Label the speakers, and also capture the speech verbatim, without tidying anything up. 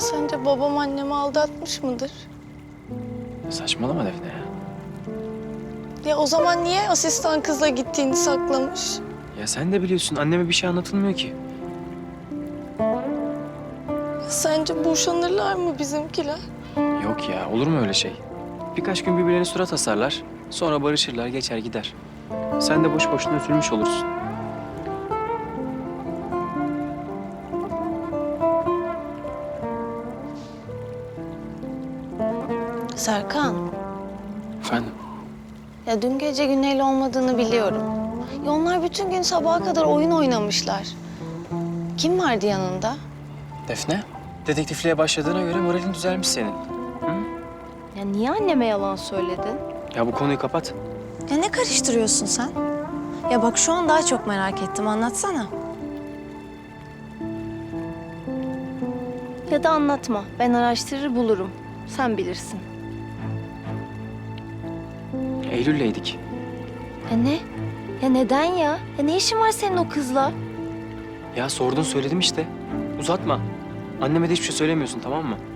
Speaker 1: sence babam annemi aldatmış mıdır?
Speaker 2: Saçmalama Defne ya.
Speaker 1: Ya o zaman niye asistan kızla gittiğini saklamış?
Speaker 2: Ya sen de biliyorsun anneme bir şey anlatılmıyor ki.
Speaker 1: Ya sence boşanırlar mı bizimkiler?
Speaker 2: Yok ya, olur mu öyle şey? Birkaç gün birbirlerine surat asarlar. Sonra barışırlar, geçer gider. Sen de boş boşuna üzülmüş olursun.
Speaker 1: Serkan,
Speaker 2: Efendim?
Speaker 1: ya dün gece Güney'le olmadığını biliyorum. Ya onlar bütün gün sabaha kadar oyun oynamışlar. Kim vardı yanında?
Speaker 2: Defne? Dedektifliğe başladığına göre moralin düzelmiş senin.
Speaker 1: Ya niye anneme yalan söyledin?
Speaker 2: Ya bu konuyu kapat.
Speaker 1: Ya ne karıştırıyorsun sen? Ya bak şu an daha çok merak ettim. Anlatsana. Ya da anlatma. Ben araştırır bulurum. Sen bilirsin.
Speaker 2: Eylül'leydik.
Speaker 1: Ya ne? Ya neden ya? Ya ne işin var senin o kızla?
Speaker 2: Ya sordun söyledim işte. Uzatma. Anneme de hiçbir şey söylemiyorsun, tamam mı?